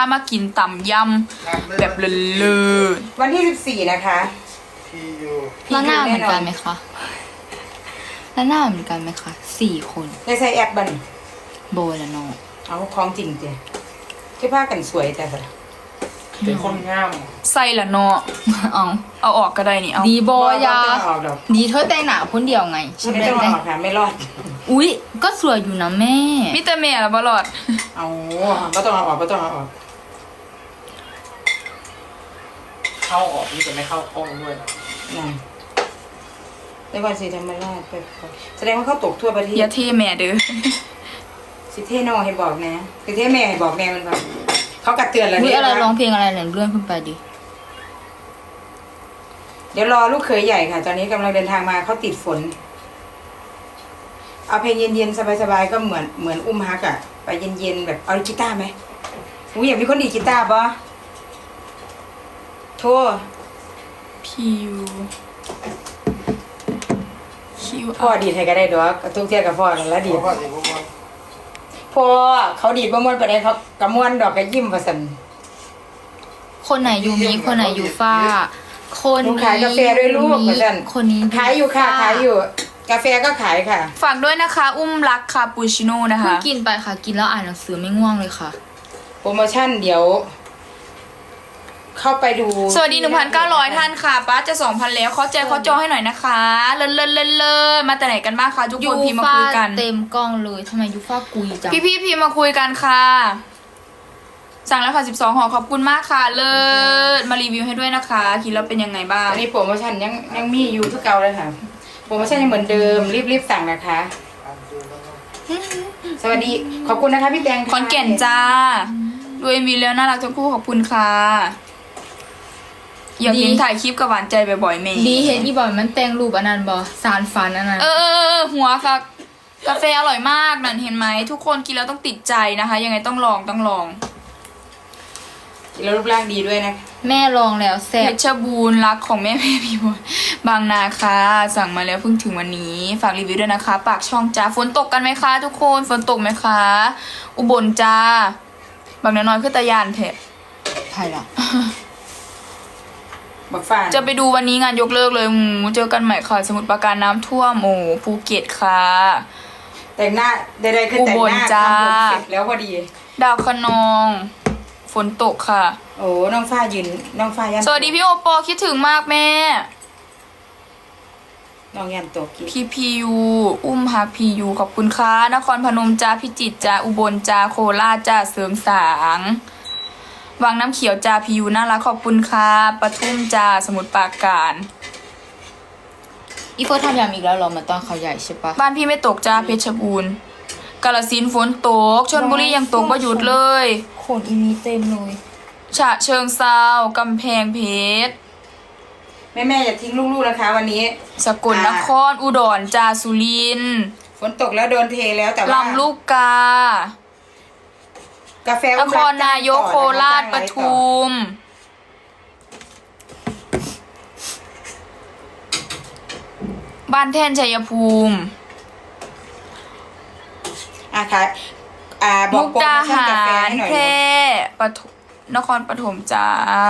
มากินตำยำแบบเลิศวันที่14นะคะแล้วหน้าเหมือนกันไหมคะแล้วหน้าเหมือนกันไหมคะ4 คนในใส่แอปบันโบและน้องเอาของจริงเจ้ที่ผ้ากันสวยแต่ละเป็นคนงามใส่ละเนาะเอาเอาออกก็ได้นี่เอาดีโบยาไม่ต้องออกดอกดีเธอแต่งหนาคนเดียวไงใช่ไหมไม่ต้องออกค่ะไม่รอดอุ๊ยก็สวยอยู่นะแม่มิเตอร์เมียละบลอดเอาก็ต้องเอาออกก็ต้องเอาออกเข้าออกนี่จะไม่เข้ากล้องด้วยนะนั่นในวันสีธรรมราชไปแสดงว่าเขาตกทั่วประเทอย่าศเท่แม่เด้อสิเทโนให้บอกนะสิเทแม่ให้บอกแม่มันก่อนเขากัดเตือนแล้วอุ๊ยเนี่ยอะไรร้องเพลงอะไรเนี่ยเลื่อนขึ้นไปดิเดี๋ยวรอลูกเขยใหญ่ค่ะ ตอนนี้กำลังเดินทางมาเขาติดฝน เอาเพลงเย็นๆสบายๆก็เหมือนอุ้มฮักอะไปเย็นๆแบบเอากีตาร์ไหมอุ้ยอยากมีคนดีดกีตาร์ปะโทษพิวคิวพ่อดีดให้ก็ได้ดอกทุกเที่ยกับพ่อกันแล้วดีดเพราะว่าเด็กพวกมันพ่อเขาดีดบ่ม่วนไปได้เขากระม่วนดอกกระยิ้มประสันคนไหนยูมิคนไหนยูฟ้าคนหนูนี้ขายกาแฟด้วยลูกประสันคนนี้ขายอยู่ค่ะขายอยู่ กาแฟก็ขายค่ะฝากด้วยนะคะ อุ้มรักคาปูชิโน่นะเพิ่งคะกินไปค่ะกินแล้วอ่านหนังสือไม่ง่วงเลยค่ะโปรโมชั่นเดี๋ยว เข้าไปดูสวัสดี 1,900 ท่านค่ะป้าจะ 2,000 แล้วเขาแจกเขาจองให้หน่อยนะคะเลิศมาแต่ไหนกันบ้างคะทุกคนพิมพ์มาคุยกันเต็มกล้องเลยทำไมยูฟ้ากุยจังพี่พิมพ์มาคุยกันค่ะ สั่งแล้วค่ะ12ห่อขอบคุณมากค่ะเลิศมารีวิวให้ด้วยนะคะคิดแล้วเป็นยังไงบ้างอันนี้โปรโมชั่นยังมีอยู่ทุกเก่าเลยค่ะ โปรโมชั่นยังเหมือนเดิมรีบสั่งนะคะ สวัสดีขอบคุณนะคะพี่แตงขอนแก่นจ้าดูเอ็มวีแล้วน่ารักทั้งคู่ขอบคุณค่ะอยากเห็นถ่ายคลิปกับหวานใจบ่อยๆเมย์ดีเห็นอีบอยมันแต่งรูปอันนั้นบอสารฝันอันนั้นหัวค่ะกาแฟอร่อยมากนั่นเห็นไหมทุกคนกินแล้วต้องติดใจนะคะ ยังไงต้องลองแล้วรูปร่างดีด้วยนะแม่ลองแล้วแซ่เพบชรบูรณ์รักของแม่พี่บัวบางนาค่ะสั่งมาแล้วเพิ่งถึงวันนี้ฝากรีวิวด้วยนะคะ ปากช่องจ้าฝนตกกันไหมคะทุกคนฝนตกไหมคะ อุบลจ้าบางน้อยๆคือตะยานเถอะไผ่ละบักฟ้าจะไปดูวันนี้งานยกเลิกเลยเจอกันใหม่ค่ะสมุทรปราการน้ำท่วมภูเก็ตค่ะแต่งหน้าใดๆคือแต่งหน้าอุบลจ้าทำผมเสร็จแล้วพอดีดาวคะนองฝนตกค่ะโอ้น้องฟ้ายืนน้องฟ้ายันสวัสดีพี่โอปอคิดถึงมากแม่น้องยันตกกินพี่พียูอุ้มฮักพียูขอบคุณค่ะนครพนมจ้าพิจิตรจ้าอุบลจ้าโคราชจ้าเสริมสางวังน้ำเขียวจ้าพียูน่ารักขอบคุณค่ะปทุมจ้าสมุทรปราการอีโฟทำยำอีกแล้วเหรอเหมือนตอนเขาใหญ่ใช่ปะบ้านพี่ไม่ตกจ้าเพชรบูรณ์กาฬสินธุ์ฝนตกชลบุรียังตกบ่หยุดเลยขนอีนี้เต็มเลยฉะเชิงเซากำแพงเพชรแม่อย่าทิ้งลูกๆนะคะ วันนี้สกลนครอุดรจ้าสุรินทร์ฝนตกแล้วโดนเทแล้วแต่ว่าลำลูกกากาแฟนครนายกโคราชปทุมบ้านแท่นชัยภูมิค่ะบอมุกกโปรดาโมชั่นหากาแฟรให้หน่อยแพร่ปทุมนครปฐมจ้า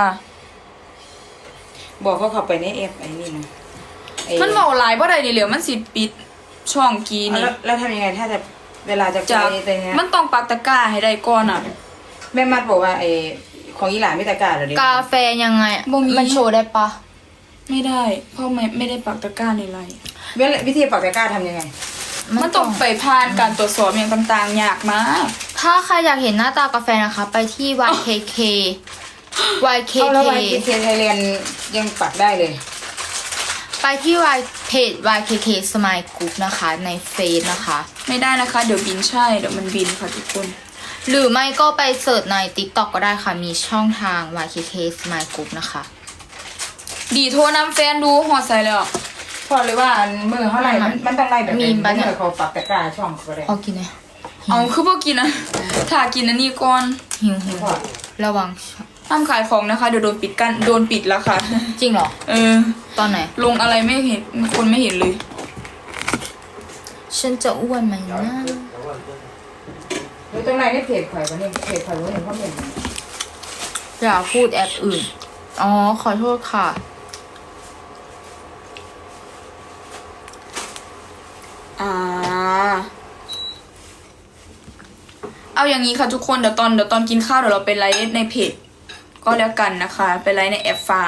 บอกเขาเข้าไปในเอฟไอ้นี่นะไอ้มันบอกหลายบ่ได้ดิเหลือมันสิปิดช่องกีนี่แล้วทำยังไงถ้าจะเวลาจะจากไปเนี้ยมันต้องปักตะกร้าให้ได้ก่อนอ่ะแม่มัดบอกว่าไอ้ของอีหลานไม่ตะกร้าเหรอเด็กกาแฟยังไงอะบ่มีมันโชว์ได้ปะไม่ได้ เพราะไม่ได้ปักตะกร้าในไลน์วิธีปักตะกร้าทำยังไงมันต้องไปผ่านการตรวจสอบอย่างต่างๆยากมากถ้าใครอยากเห็นหน้าตากาแฟนะคะ ไปที่ YKK เข้าแล้ว YKK ไว้ที่ไทยเรียนยังปักได้เลยไปที่เพจ YKK Smile Group นะคะ ในเฟซนะคะไม่ได้นะคะ เดี๋ยวบินใช่ เดี๋ยวมันบินค่ะทุกคนหรือไม่ก็ไปเสิร์ชใน TikTok ก็ได้ค่ะ มีช่องทาง YKK Smile Group นะคะดีโทรนำแฟนดูหอดใส่เลยอ่ะพอเลยว่ามือเท่าไหร่มันต้องไล่แบบมีนี้ปะเนี่ยเมื่อเขาปักตะกร้าช่องเขาได้เอากินเลยเอาคือพวกกินนะถ้ากินอันนี้ก่อนหิวระวังห้ามขายของนะคะ เดี๋ยวโดนปิดกันโดนปิดแล้วค่ะจริงเหรอ ตอนไหนลงอะไรไม่เห็นคนไม่เห็นเลยฉันจะอ้วนไหมนะหรือตรงไหนนี่เพจข่อยวันนี้เพจข่อยวันนี้เขาเห็นอย่าพูดแอปอื่น อ๋อ ขอโทษค่ะอ่า เอาอย่างนี้ค่ะทุกคนเดี๋ยวตอนกินข้าวเดี๋ยวเราไปไลฟ์ในเพจก็แล้วกันนะคะไปไลฟ์ในแอปฟ้า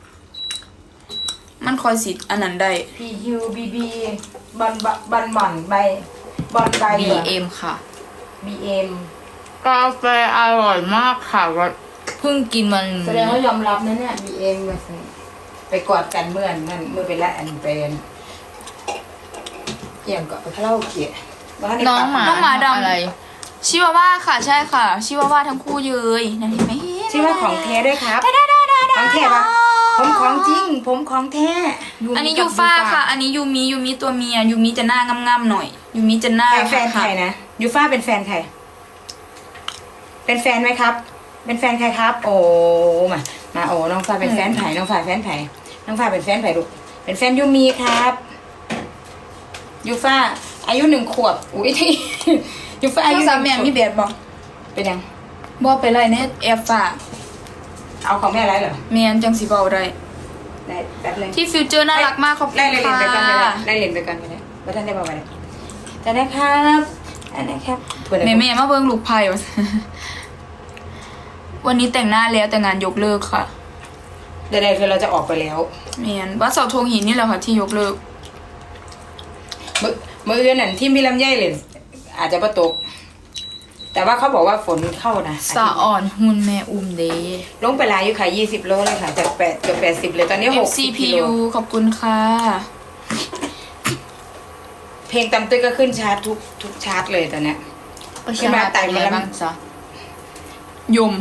มันคอยสิอันนั้นได้ PUBB บอนใบบอนใบ BM ค่ะ BM กาแฟอร่อยมากค่ะเพิ่งกินมันแสดงว่ายอมรับนะเนี่ย BM แบบนี้ไปกอดกันเมื่อนั้นเมื่อไปละอันเป็นเกี่ยงกับคาราโอเกะว่าให้น้องหมาน้องหมาดำอะไรชิวาว่าค่ะใช่ค่ะ ชิวาว่าทั้งคู่เลยนั่นเห็นไหมชื่อว่าของแท้ด้วยครับของแท้ปะผมของจริง ผมของแท้อันนี้ยูฟ่าค่ะ อันนี้ยูมิตัวเมียยูมิจะหน้างามๆหน่อยยูมิจะหน้าใครแฟนใครนะยูฟ่าเป็นแฟนใครเป็นแฟนไหมครับ เป็นแฟนใครครับ โอ้มาโอ้น้องฟ้าเป็นแฟนไผ่น้องฟ้าแฟนไผ่น้องฟ้าเป็นแฟนไผ่ลูกเป็นแฟนยูมีครับยูฟ่าอายุ1 ขวบอุ้ย ยูฟ่าอาอายุยุสามแม่มีเบียดบอกเป็นยังบอกไปเลยเนี่ยแอปฟ้าเอาของแม่ไรเหรอเมียนจังสีเบาได้ได้แป๊บนึงที่ฟิวเจอร์น่ารักมากขอบคุณได้เลยเรียนไปก่อนเลยค่ะได้เรียนไปก่อนเลยว่าท่านได้บอกอะไรจะได้ครับอันนี้ครับแม่มาเบิ้งลูกไพ่วะ วันนี้แต่งหน้าแล้วแต่งานยกเลิกค่ะใดๆคือเราจะออกไปแล้วเมียนวัดเสาธงหินนี่แหละค่ะที่ยกเลิกมื้ออื่นนั่นที่มีลำไยเลยอาจจะประตก แต่ว่าเขาบอกว่าฝนเข้านะสะอ่อนหุ่นแม่อุ้มเดลงไปหลายอยู่ค่ะ20 โลเลยค่ะจาก8เกือบ80เลยตอนนี้60กิโล FCPU ขอบคุณค่ะเพลงตำตื้อก็ขึ้นชาร์ตทุกชาร์ตเลยตอนเนี้ยขึ้นมาไต่มาแล้วบ้างจ้ะยม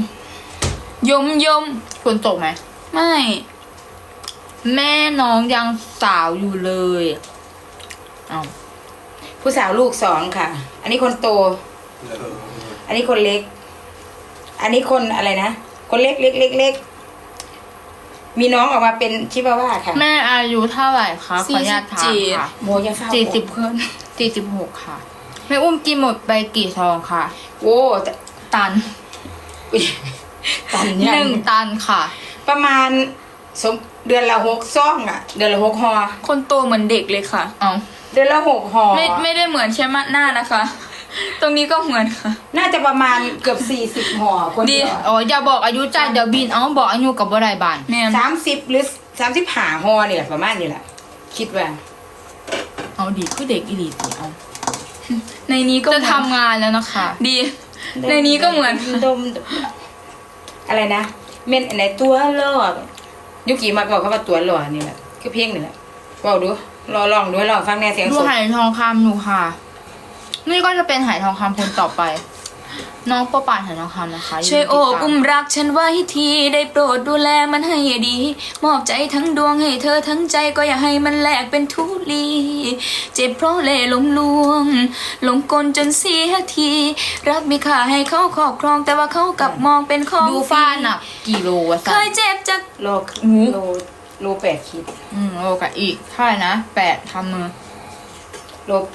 ฝนตกไหมไม่แม่น้องยังสาวอยู่เลยเอาผู้สาวลูก2ค่ะ อันนี้คนโต อันนี้คนเล็ก อันนี้คนอะไรนะคนเล็กเล็กมีน้องออกมาเป็นชิบาว่าค่ะแม่อายุเท่าไหร่คะขออนุญาตถามค่ะโมยาฟ้า 40 เพิ่น 46ค่ะแม่อุ้มกินหมดไปกี่ซองค่ะโว้แต่ตันอุ๊ยตันยั 1 ตันค่ะประมาณเดือนละ6 ซองอ่ะ เดือนละ6 ห่อคนโตเหมือนเด็กเลยค่ะเอาเดือนละ6 ห่อไม่ได้เหมือนใช่ไหมหน้านะคะ ตรงนี้ก็เหมือนค่ะน่าจะประมาณเกือบ40 ห่อคนเดียวอ๋ออย่าบอกอายุจ้าเดี๋ยวบินเอาบอกอายุกับบ่ได้บานแม่น 30 หรือ35 ห่อนี่แหละประมาณนี้แหละ คิดว่าเอาดีคือเด็กอีหลีสิเอาในนี้ก็จะทำงานแล้วนะคะดี ในนี้ก็เหมือนดมอะไรนะเม่นไหนตัวหล่อยุกิมักบอกเขาว่าตัวหล่อนี่แหละคือเพลงนี่แหละบอกดูลองดูให้ลองฟังแน่เสียงดูสดไหทองคำหนูค่ะ นี่ก็จะเป็นไหทองคำคนต่อไป น้องโปป่านไหทองคำนะคะช่วยโอบติดตามอุ้มรักฉันไว้ทีได้โปรดดูแลมันให้ดี มอบใจทั้งดวงให้เธอทั้งใจก็อย่าให้มันแหลกเป็นทุลี เจ็บเพราะเล่ห์หลงลวงหลงกลจนเสียที รักมีค่าให้เขาครอบครองแต่ว่าเขากลับมองเป็นของดูฟ้าหนักกี่โลวะเคสันยเจ็บจากโลโล8 ขีดโลกับอีกเท่าไหร่นะ8ทำมือโล8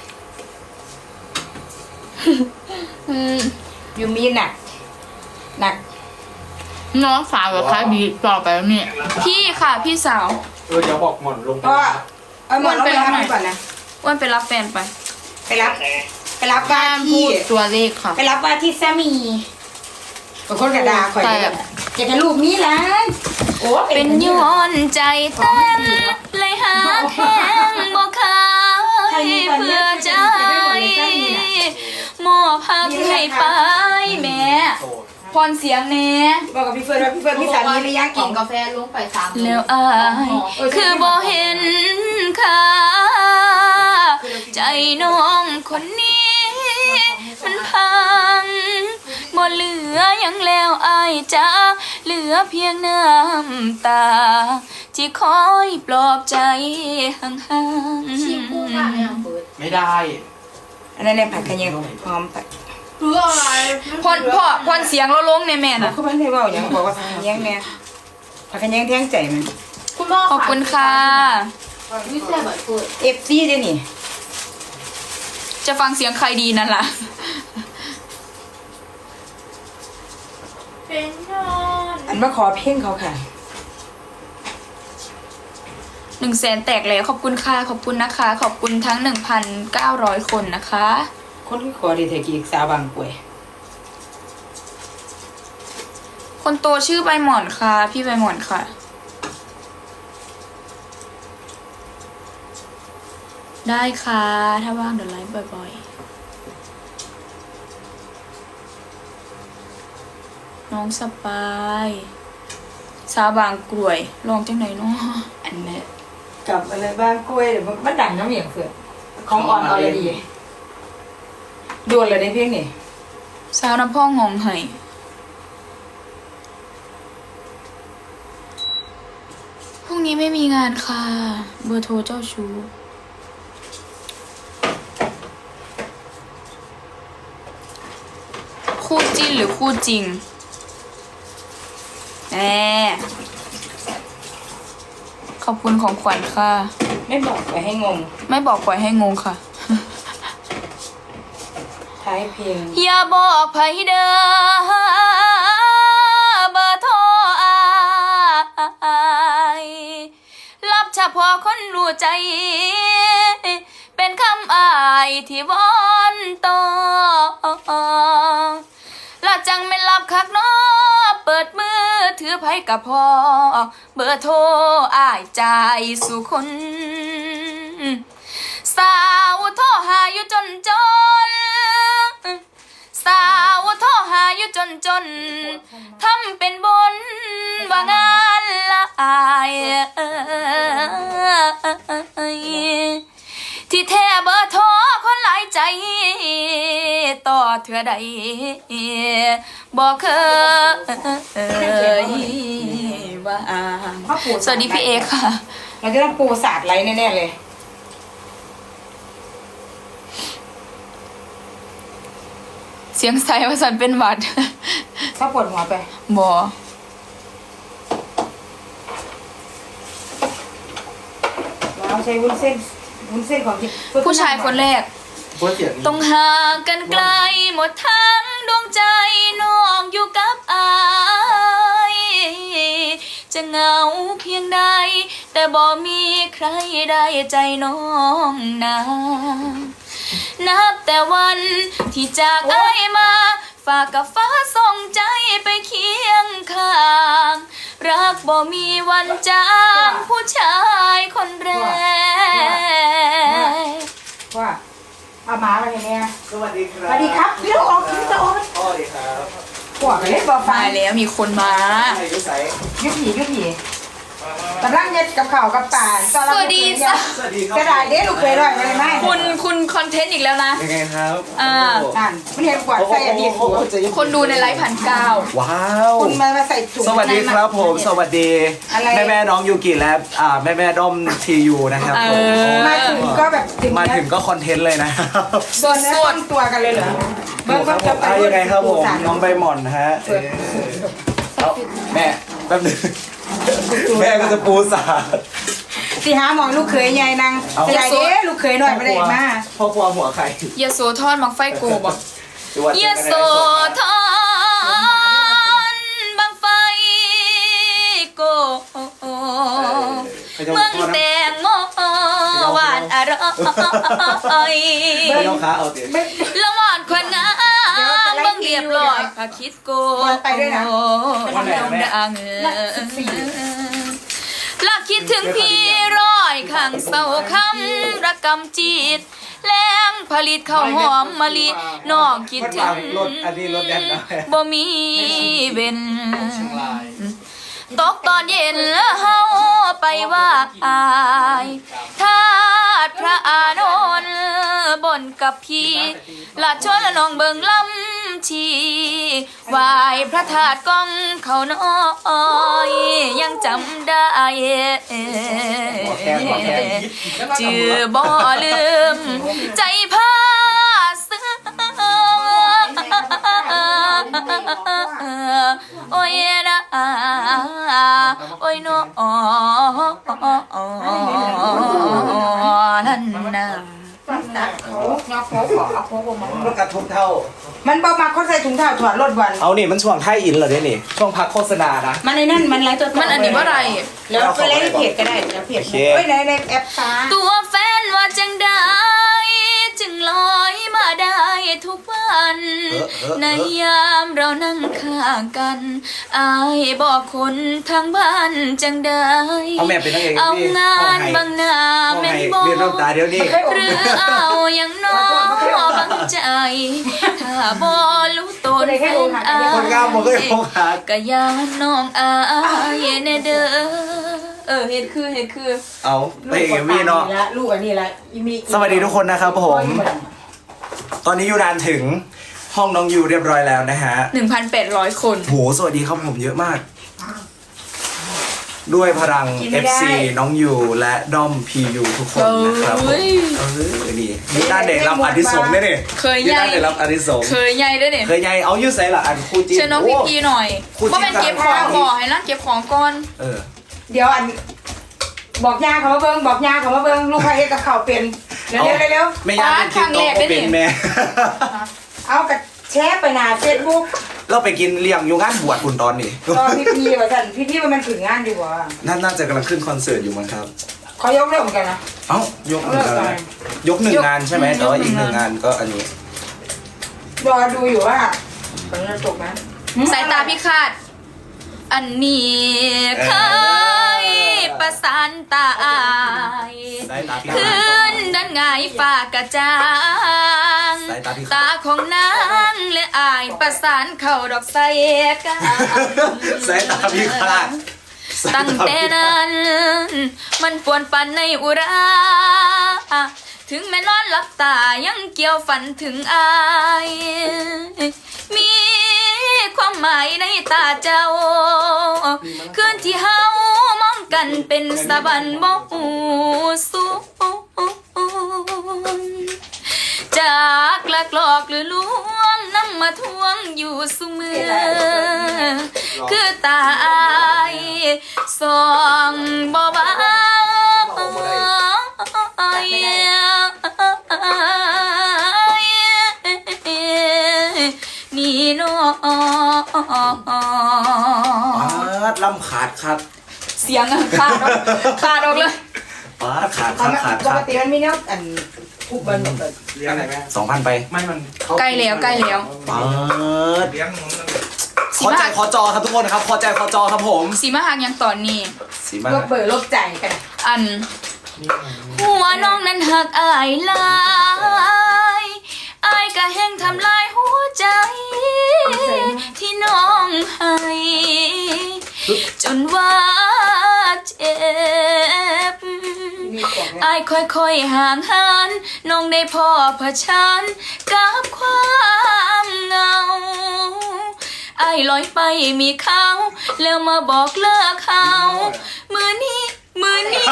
ยูมีหนักน้องสาวกับใครดีต่อไปแล้วเนี่ยพี่ค่ะพี่สาวเดี๋ยวบอกหมอนลงไปก็นะเอาหมดแล้วไปรับมันก่อนนะอ้วนไปรับแฟนไปไปรับว่าห้ามพูที่ดตัวเลขค่ะไปรับว่าที่สามีบางคนกระดาคอยแต่อยากให้ลูกนี้ละโอ้เป็นย้อนใจเต้นเลยหาแข้งบ่ขายเพื่อใจมอบภาพให้ไปแม่โสดพรเสียงแน่บอกกับพี่เฟิร์นว่าพี่เฟิร์นพี่สามีหรือยังขอีอก งกาแฟลงไป3 แล้วอายคือบ่เห็นค่าใจน้องคนนี้ มันพังบ่เหลือหยังแล้วอายจ้าเหลือเพียงน้ำตา ที่คอยปลอบใจห่างชิมพูดว่าไม่เอาเปิดไม่ได้อันนั้นเนี่ยผักกระเทียมหอมผักเพื่ออะไรๆพรเสียงเราลงในแม่น่ะเขาไม่ได้บอกอย่างบอกว่าผักกระเทียมเนี่ยผักกระเทียมแท่งใจมันคุณพ่อขอบคุณค่ะวิเศษแบบเปิด FC ด้วยนี่จะฟังเสียงใครดีนั่นล่ะเป็นน้องมาขอเพลงเขาค่ะ 100,000แตกแล้วขอบคุณค่ะขอบคุณนะคะ ขอบคุณทั้ง 1,900 คนนะคะคนที่ขอดีเทกีสาวบางกวยคนโตชื่อใบหมอนค่ะ พี่ใบหมอนค่ะ ได้ค่ะ ถ้าว่างเดี๋ยวไลฟ์บ่อยๆ น้องสปายสาวบางกรวยลองจังไหนเนาะอันเนี้ยกับอะไรบางกวยเดี๋ยวมันดังน้ำเหมียงเฟื่อนของอ่อนออลดีโดนเลยในเพลงนี่สาวน้ำพ่ององไห้พรุ่งนี้ไม่มีงานค่ะ เบอร์โทรเจ้าชู้คู่จิ้นหรือคู่จริงแหมขอบคุณของขวัญค่ะไม่บอกไปให้งงไม่บอกปล่อยให้งงค่ะท้ายเพลงอย่าบอกไผเด้อเบอร์โทรอายรับเฉพาะคนรู้ใจ เป็นคำอายที่วอนต่อละจังไม่รับคักน้อเปิดมือถือไผกับพ่อเบอร์โทรอายใจายสู่คน สาวโทรหาอยู่จนจน สาวโทรหาอยู่จนจน ทำเป็นบนว่างานละอายที่แท้เบอร์โทรคนหลายใจ ต่อเถื่อใดบอกเคยว่าสวัสดีพี่เอค่ะเราจะต้องปูศาสตร์ไรแน่ๆเลยเสียงใสว่าสันเป็นหวัดถ้าปวดหัวไปบอเราใช้วุ้นเส้นของที่ผู้ชายคนแรกเพราะเสียงต้องห่างกันไกลหมดทั้งดวงใจน้องอยู่กับอายจะเหงาเพียงใดแต่บ่มีใครได้ใจน้องนานับแต่วันที่จากอ้ายมาฝากกับฟ้าส่งใจไปเคียงข้างรักบ่มีวันจางผู้ชายคนแรกว่าเอาหมามาให้แม่สวัสดีครับสวัสดีครับพี่ต้องออกพี่ต้องออกสวัสดีครับปวดเลยบอกไปมาแล้วมีคนมาอายุใสยุผีกำลังเย็ดกับข่าวกับป่านตอนเราสวัสดีจ้ะสวัสดีครักระดาษเด้ลูกเคยร่อยอะไรไหมคุณคอนเทนต์อีกแล้วนะยังไงครับอ่านั่นมันเห็นกวาดใส่อันนี้คนดูในไลฟ์1,900 ว้าวคุณมาใส่ถุงสวัสดีครับผม สวัสดีอะไรแม่น้องยูกิและแม่ด้อมทียูนะครับผมมาถึงก็แบบถึงมาถึงก็คอนเทนต์เลยนะครับโดนแล้วต้องตัวกันเลยเหรอครับผมยังไงครับผมน้องใบหม่อนนะฮะเอาแม่แป๊บนึงแม่ก็จะปูสาดสิหาหมองลูกเคยใหญ่นางใหญ่เด้ลูกเคยหน่อยไม่ได้มาพ่อครัวหัวไข่ยาโสธรมักไฟโกบอกจังหวัดยาโสธรบังไฟโกเมืองแตงโมหวานอร่อยไม่ต้องขาเอาเตี๋ยละหวานคนงามเบิ่งเรียบร้อยพาคิดโกดังลักคิดถึงพี่ร้อยข้างเศร้าคำระกำจิตแรงผลิตข้าวหอมมะลิน้องคิดถึงรถอันนี้รถแดนนะบ่มีเว้นเชียงรายตกตอนเย็นแล้วเฮาไปว่าอายทาดพระอานนท์บนกับพี่ละชวนละน้องเบิงลำชีไหวพระธาตุกองเขาน้อยยังจำได้จือบ่ลืมใจพาซึ้งโอ้ยนะโอ้ยน้อนั่นน่ะตัดเขาเงาโค้กขอเอาโค้กมารถกระทบเท่ามันบอกมาเขาใส่ถุงเท้าถอดรถวันเอานี่มันช่วงไทยอินเหรอเนี่ยนี่ช่วงพักโฆษณานะมันในนั่นมันไลฟ์ตัวมันอันนี้ว่าอะไรแล้วไปไลฟ์ในเพจก็ได้แล้วเพจโอเคเอ้ยในแอปฟ้าตัวแฟนว่าจังได้จึงลอยมาได้ทุกวัน ในยามเรานั่งข้างกันอายบอกคนทางบ้านจังได้เอาแม่เป็นนางเอกเอานี่งานบางหน้าห้องแม่ไห้นบอเรียนน้ำตาเดี๋ยวนี้หรือเอาอย่างน้อบังใจ ถ้าบอรู้ตนแฟนอายคนงามบอกก็ยังคงหากะยานน้องอายแน่เด้อเฮ็ดคือเอาไปเอ็มวีเนาะลูกอันนี้ละอีมีสวัสดีทุกคนนะครับผม ตอนนี้ยูนานถึงห้องน้องยูเรียบร้อยแล้วนะฮะ 1,800 คนโหสวัสดีครับผมเยอะมาก ด้วยพลัง FC น้องยูและด้อม PU ทุกคนนะครับผมเอ้ยนี่ด้านเด็กรับอดิสงส์เนี่ยนี่เคยนี่ใหญ่ด้านเด็กรับอดิสงส์เคยใหญ่ด้วยเนี่ยเคยไงเอายูใส่ละอันคู่จิ้นเชิญน้องพี่พีหน่อยคู่จิ้นว่าเป็นเก็บของก่อนให้นั่งเก็บของก่อนเออเดี๋ยวอันบอกยาเขามาเบิ้งบอกยาเขามาเบิ้งลูกใครเฮ็ดกับข้าวเป็นเร็วเร็วไม่ยากเป็นคลิปต่อก็เป็นแม่เอากระแชร์ไปหน้าเฟซบุ๊กเราไปกินเลี้ยงอยู่งานบวชคุณตอนนี้ตอนพี่ว่าท่านพี่มันถึงงานดีกว่าน่าจะกำลังขึ้นคอนเสิร์ตอยู่มั้งครับเขายกเลิกเหมือนกันนะเอ้ายกหนึ่งงานยกหนึ่งงานใช่ไหมแต่ว่าอีกหนึ่งงานก็อันนี้รอดูอยู่ว่าผลจะจบไหมสายตาพิฆาตอันนี้เคยประสานตาอายสายตาพิฆาตขึ้นด้านไงายฝากกระจางสายตาพิฆาตตาของนางและอายประสานเข้าดอกไส้กันสายตาพิฆาตตั้งแต่นั้นมันปวนปันในอุรา ถึงแม้นอนหลับตายังเกี่ยวฝันถึงอาย มีความหมายในตาเจ้า คืนที่เฮามองกันเป็นสะบันบ่หูสูงจากหลักหลอกหรือลวงนำมาทวงอยู่เสมอ คือตาอายส่องบ่เบานี่น้องปาดลำขาดครับเสียงอะขาดออกเลยปาดขาดขาดขาดปขาก ดติมันมีเนี้ยอันอุบันเลี้ยงอะไรแม่ 2,000 ไปไม่มันใกล้แล้วปาดเลี้ยงมันขอใจขอจอครับทุกคนครับขอใจขอจอครับผมสีมาหักยังตอนนี้สีมาลบเบอร์ลบใจกันอัน หัวน้องนั้นหักอายหลายอายก็แห้งทำลายหัวใจ ที่น้องให้จนว่าเจ็บมีกล่องเนี่ยอายค่อยๆห่างหันน้องได้พอเผชิญกับความเหงาอายลอยไปมีเขาแล้วมาบอกเลิกเขามือนี้ มือนี้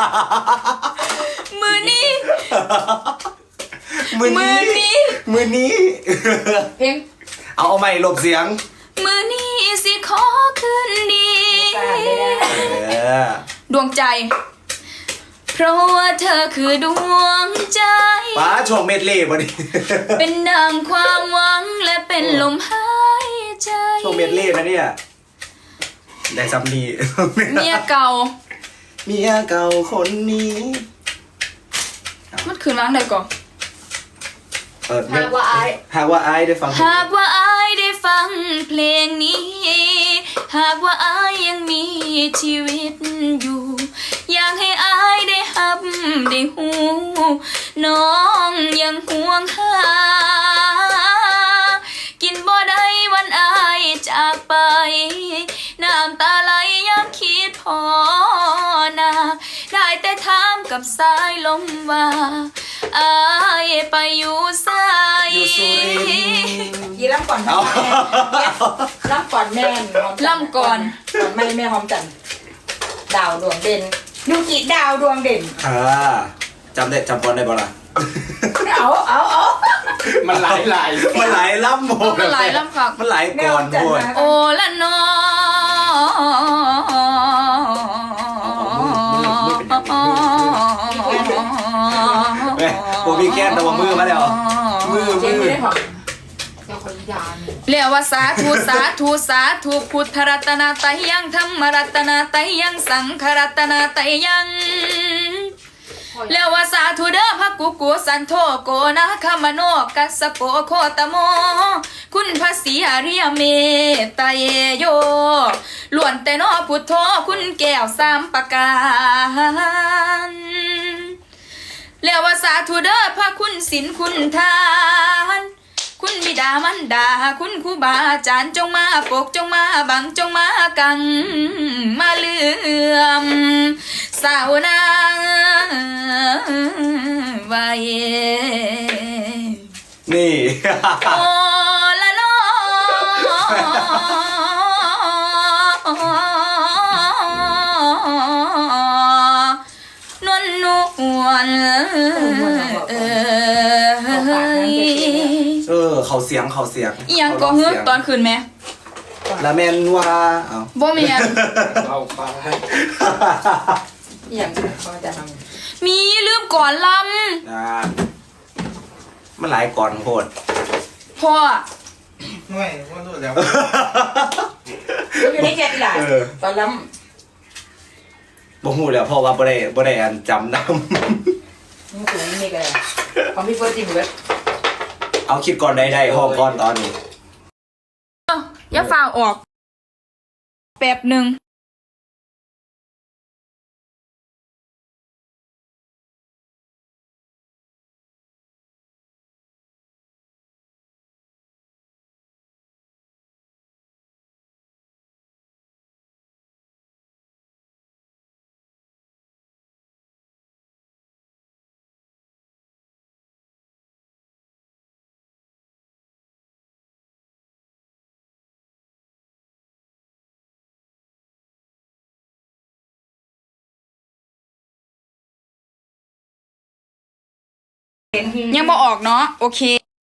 มือนี้มือนี้เพลงเอาใหม่หลบเสียงมือนี้สิขอคืนดีเออดวงใจ เพราะว่าเธอคือดวงใจป้าช่วงเม็ดเล่บ่นี่เป็นดังความหวังและเป็นลมหายใจช่วงเม็ดเล่นะเนี่ยได้ซับนี่เมียเก่าเมียเก่าคนนี้มันคืนล้างใดก่อนหากว่าอายหากว่าไอ้ได้ฟังเพลงหากว่าอายได้ฟังเพลงนี้ หากว่าอายยังมีชีวิตอยู่ อยากให้อายได้หับได้หูน้องยังห่วงหา กินบ่ได้วันอายจากไป น้ำตาไหลยังคิดพอนาได้แต่ถามกับสายลมว่าอายไปอยู่ไสอยู่สุรินทร์ยีรับก่อนเอารับก่อนแม่หอมจันทร์ล่ำก่อนแม่หอมจันทร์ดาวดวงเด่นยูกิดาวดวงเด่นจำได้จำบอลได้บ่ล่ะเอามันหลายมันหลายล่ำโมมันหลายล่ำคักมันหลายแม่ก่หออน มจันทโว้ร์ยมาโอละนอแม่ผมมีแก้มแต่ว่ามือมาแล้วมือเจ๊ไม่ได้หอมเรียกว่าสาธุสาธุสาธุพุทธรัตนาไตรยังธรรมรัตนาไตรยังสังฆรัตนาไตรยังเรียกว่าสาธุเด้อพระกุกุสันโธโกนะขมโนกัสสโปโคตโมคุณพระศรีอริยเมตไตรโยล้วนแต่นอพุทโธคุณแก้วสามประการเรียกว่าสาธุเด้อพระคุณศีลคุณทานคุณบิดามันดาคุณครูบาอาจารย์จงมาปกจงมาบังจงมากังมาเลื่อมสาวนางไว้นี่โอละนอนวลนวลเขาเสียงอีหยังก็ฮึตอนคืนไหมละแมนว่าเอาบ่แม่นเอาไปอย่างเขาจะทมีลืมก่อนลอ่ามันหลายก่อนโคตรำพ่อไม่ว่ารู้แล้วำอยู่ในแคที่หลานตอนล้บ่ฮู้แล้วเพราะว่าบ่ได้อันจำนำมึงสูงนี่กันของพี่เฟิร์สจริงเว้ยำ เอาคิดก่อนได้ห้องก่อนตอนนี้อย่าฝ่าออกแป๊บหนึ่งยังบ่ออกเนาะโอเค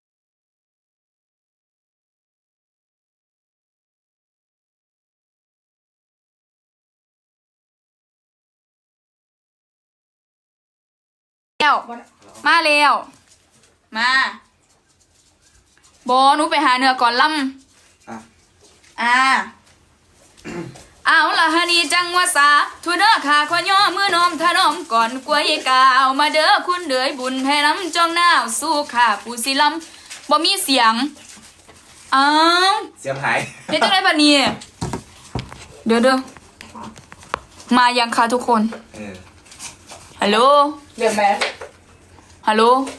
แล้วมาแล้วมาบอหนูไปหาเนื้อก่อนลอ่ะำเอาละฮะนี่จังว่าสาทุเด้อขาขอย่อมือน้อมถนอมก่อนกล้วยกาวมาเด้อคุณเดือยบุญให้น้ำจองหน้าวสู้ขาผู้สิลำบ่มีเสียงอ้าวเสียงหายเฮ็ดจังไดบัดนี้เดี๋ยวมายังคะทุกคนเออฮัลโหลเรื่องแม่ฮัลโหล